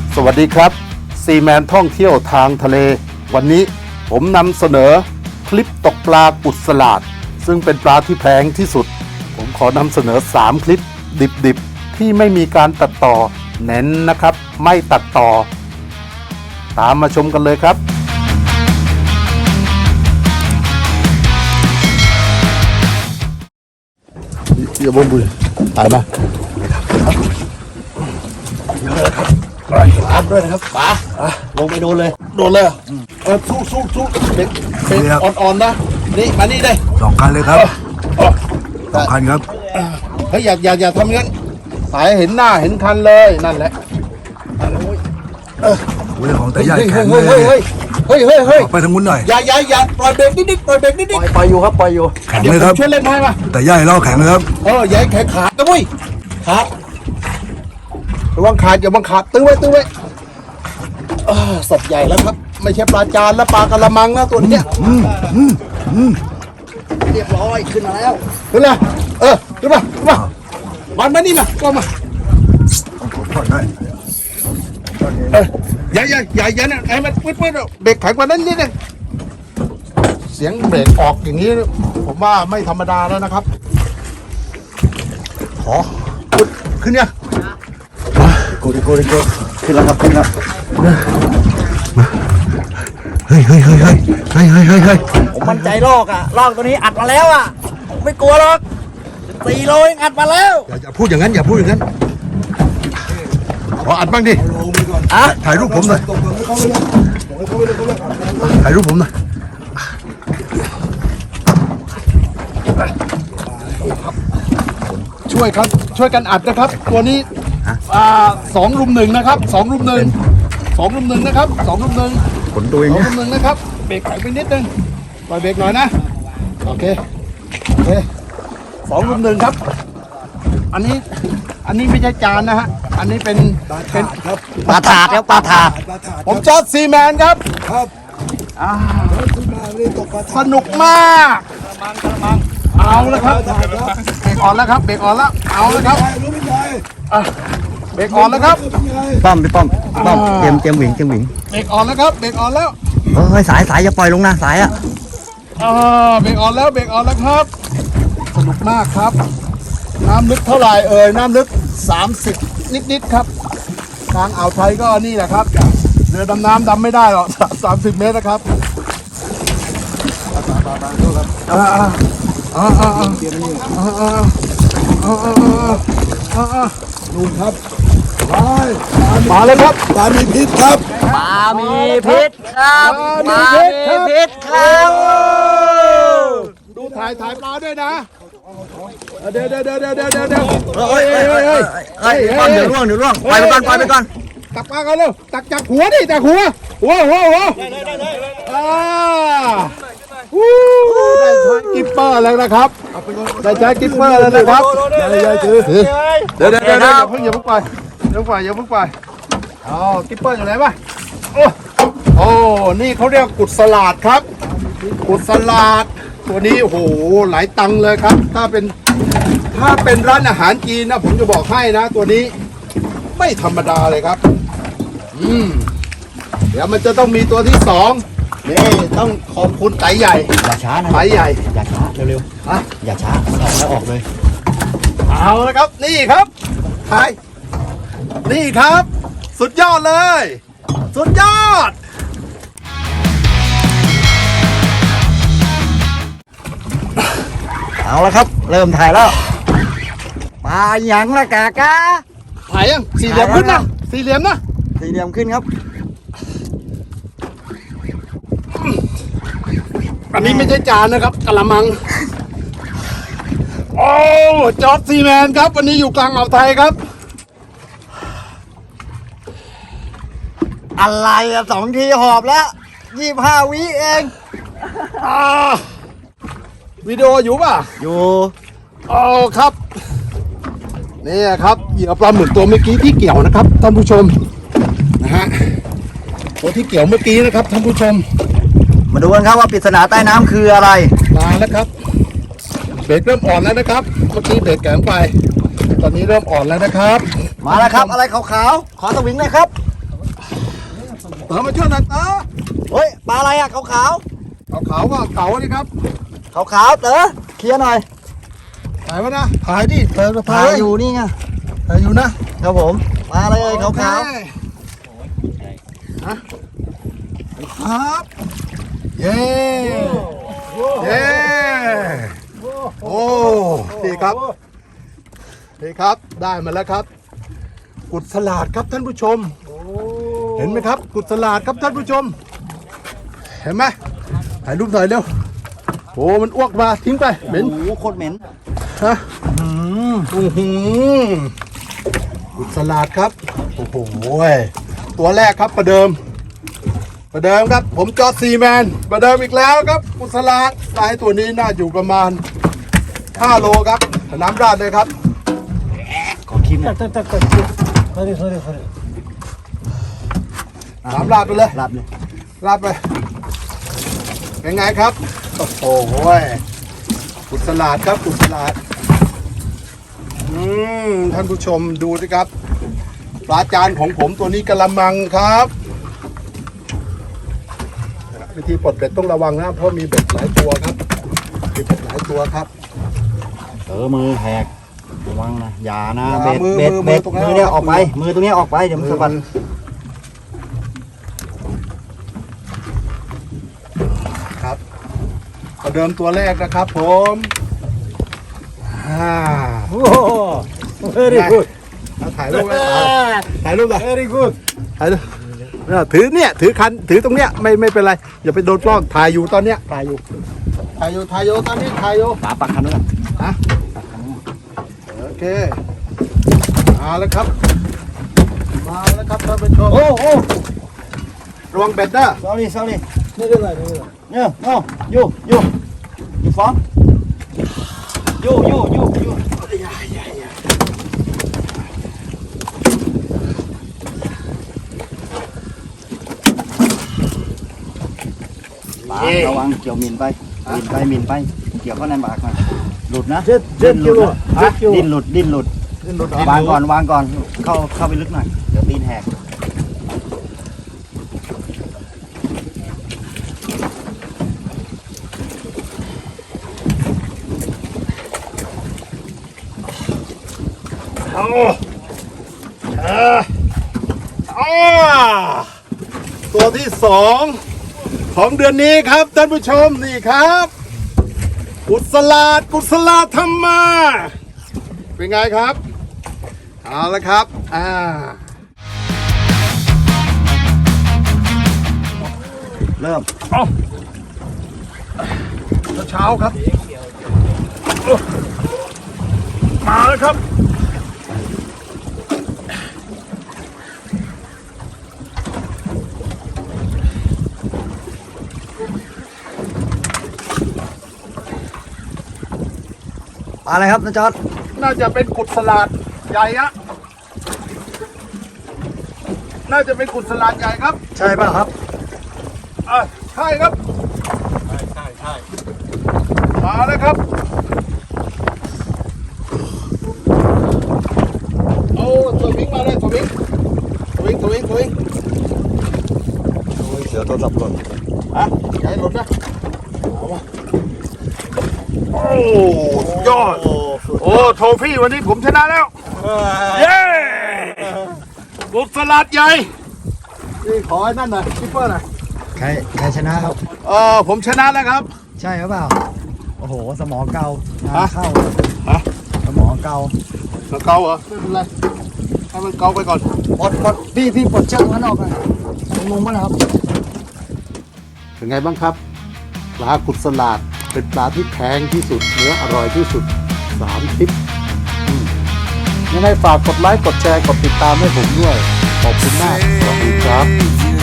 สวัสดีครับซีแมนท่องเที่ยวทางทะเลวันนี้ผมนำเสนอคลิปตกปลากุดสลาดซึ่งเป็นปลาที่แพงที่สุดผมขอนำเสนอ3คลิปดิบๆที่ไม่มีการตัดต่อเน้นนะครับไม่ตัดต่อตามมาชมกันเลยครับอย่าบ่นบุยตายมารับด้วยนะครับป๋าลงไปโดนเลยสู้เด็กอ่อนๆนะนี่มานี่ได้ 2 คันเลยครับ2 คันครับเฮ้ยอย่าทำงั้นสายเห็นหน้าเห็นคันเลยนั่นแหละโอ้ยของแต่ใหญ่แข็งเลยเฮ้ยไปทางนู้นหน่อยอย่าปล่อยเบรกนิดปล่อยเบรกนิดปล่อยอยู่ครับปล่อยอยู่แข็งเลยครับช่วยเล่นให้มาแต่ใหญ่ล้อแข็งเลยครับอย่าให้แข็งขาดนะเว้ยขาดระวังขาดอย่าบังขาดตื้อไว้สดใหญ่แล้วครับไม่ใช่ปลาจานแล้วปลากระมังนะตัวเนี้ยเรียบร้อยขึ้นมาแล้วขึ้นเลยขึ้นมาวันมานี่มาก็มาอย่านะไอ้มันปื๊ดเบรกแข็งกว่านั้นนิดนึงเสียงเบรกออกอย่างนี้ผมว่าไม่ธรรมดาแล้วนะครับขอขึ้นเนี่ยกูขึ้นแล้วครับขึ้นแล้วเฮ้ยผมมั่นใจลอกตัวนี้อัดมาแล้วไม่กลัวหรอก4 โลอัดมาแล้วอย่าพูดอย่างนั้นขออัดบ้างดิถ่ายรูปผมหน่อยช่วยกันอัดนะครับตัวนี้2 รุม 1นะครับ2 รุม 1นะครับ2 รุม 1 ผลตัวเอง 2 รุม 1นะครับเบรกแข็งไปนิดนึงปล่อยเบรกหน่อยนะโอเค2 รุม 1ครับอันนี้ไม่ใช่จานนะฮะอันนี้เป็นปลาถาดครับปลาถาดผมจอร์จซีแมนครับสนุกมากเอาแล้วครับเบรกอ่อนแล้วครับเอาแล้วครับเบรกอ่อนแล้วครับพี่ป้อมเตรียมหวิงเบรกอ่อนแล้วครับเบรกอ่อนแล้วเฮ้ยสายอย่าปล่อยลงนะสายเบรกอ่อนแล้วครับสนุกมากครับน้ำลึกเท่าไหร่น้ำลึก30นิดครับทางอ่าวไทยก็นี่แหละครับเรือดำน้ำดำไม่ได้หรอก30 เมตรนะครับนู่นครับมาเลยครับปลามีพิษครับปลามีพิษครับดูถ่ายปลาด้วยนะเดี๋ยวป้อมเดี๋ยวล่วงปล่อยไปก่อนตักปลากันเร็วตักจากหัวดิจากหัวได้ใช้กิปเปอร์แล้วนะครับได้ใช้กิปเปอร์แล้วนะครับยายถือเดี๋ยวอย่าเพิ่งไปกิปเปอร์อยู่ไหนวะโอ้นี่เขาเรียกกุดสลาดครับกุดสลาดตัวนี้โอ้โหหลายตังเลยครับถ้าเป็นร้านอาหารจีนนะผมจะบอกให้นะตัวนี้ไม่ธรรมดาเลยครับเดี๋ยวมันจะต้องมีตัวที่2นี่ต้องขอบคุณไตใหญ่อย่าช้านะไตใหญ่อย่าช้าเร็วๆอย่าช้าออกเลยเอาละครับนี่ครับถ่ายนี่ครับสุดยอดเลยสุดยอดเอาละครับเริ่มถ่ายแล้วปลาหยังละกากะถ่ายยัง4 เหลี่ยมขึ้นนะ4 เหลี่ยมขึ้นครับอันนี้ไม่ใช่จานนะครับกะละมังโอ้จอร์จซีแมนครับวันนี้อยู่กลางอ่าวไทยครับอะไร2 ทีหอบแล้ว25 วิเองวิดีโออยู่ป่ะอยู่ครับนี่ครับเหยื่อปลาหมึกตัวเมื่อกี้ที่เกี่ยวนะครับท่านผู้ชมนะฮะตัวที่เกี่ยวเมื่อกี้นะครับท่านผู้ชมมาดูกันครับว่าปริศนาใต้น้ำคืออะไรมาแล้วครับเบรกเริ่มอ่อนแล้วนะครับเมื่อกี้เบรกแข็งไปตอนนี้เริ่มอ่อนแล้วนะครับมาแล้วครับอะไรขาวๆขอสวิงเลยครับเต๋อมาช่วยหน่อยเต๋อเฮ้ยปลาอะไรอ่ะขาวขาวว่าเก๋าดิครับๆขาวๆเต๋อเคลียร์หน่อยถ่ายวะนะถ่ายดิเต๋อถ่ายอยู่นี่ไงถ่ายอยู่นะครับผมปลาอะไรเอ่ยขาวฮะครับเย้เย้โอ้ดีครับดีครับได้มาแล้วครับ กุดสลาดครับท่านผู้ชมเห็นไหมครับ กุดสลาดครับท่านผู้ชม เห็นไหมถ่ายรูปหน่อยเร็วโอ้มันอ้วกมาทิ้งไปๆเหม็นโอ้โหโคตรเหม็นฮะกุดสลาดครับโอ้โหตัวแรกครับประเดิมครับผมจอร์จซีแมนประเดิมอีกแล้วครับกุดสลาดได้ตัวนี้น่าอยู่ประมาณ5 โลครับน้ำราดเลยครับขอคิมหน่อยน้ำราดไปเลยรับเลยราดไปเป็นไงครับโอ้โหกุดสลาดครับกุดสลาดท่านผู้ชมดูสิครับปลาจานของผมตัวนี้กะละมังครับวิธีปลดเบ็ดต้องระวังนะเพราะมีเบ็ดหลายตัวครับมีเบ็ดหลายตัวครับเต๋อมือแหกระวังนะอย่านะอย่าเบ็ดมือเบ็ดตรงนั้นมือเนี่ยออกไปมือตรงนี้ออกไปเดี๋ยวมันสะบัดครับประเดิมตัวแรกนะครับผมโอ้ very good ถ่ายรูปไว้ถ่ายรูปเลย very good ถ่ายรูปถือเนี่ยถือคันถือตรงเนี้ยไม่เป็นไรอย่าไปโดนกล้องถ่ายอยู่ตอนเนี้ยถ่ายอยู่ตอนนี้ถ่ายอยู่ปลาปักคันนู้นฮะโอเคมาแล้วครับท่านผู้ชมโอ้โอ้ระวังเบ็ดนะ sorry yeah no you from you ปลาระวังเกี่ยวมินไปเกี่ยวเข้าในปากมาหลุดนะดิ้นหลุดวางก่อนเข้าไปลึกหน่อยเดี๋ยวตีนแหกตัวที่2ของเดือนนี้ครับท่านผู้ชมนี่ครับกุศลาธรรมาเป็นไงครับเอาละครับเริ่มเช้าครับมาแล้วครับอะไรครับน้าจอร์จน่าจะเป็นกุศลาดใหญ่อะน่าจะเป็นกุศลาดใหญ่ครับใช่ป่ะครับใช่ครับใช่มาแล้วครับเอาตัววิ่งมาเลยตัววิ่งเดี๋ยวโทรศัพท์หล่นอย่าให้หลุดนะเอาวะโอ้สุดยอดโอ้โทฟี่วันนี้ผมชนะแล้วเย้กุศลาดใหญ่นี่ขอไอ้นั่นหน่อยคิปเปอร์หน่อยใครชนะครับผมชนะแล้วครับใช่หรือเปล่าโอ้โหสมองเกาฮะเข้าฮะสมองเกาเกาเหรอไม่เป็นไรให้มันเกาไปก่อนปลดพี่ปลดเชือกมันออกเลยงงมั้ยนะครับเป็นไงบ้างครับปลากุดสลาดเป็นปลาที่แพงที่สุดเนื้ออร่อยที่สุด3 ทิปยังไงฝากกดไลค์กดแชร์กดติดตามให้ผมด้วยขอบคุณมากสวัสดีครับ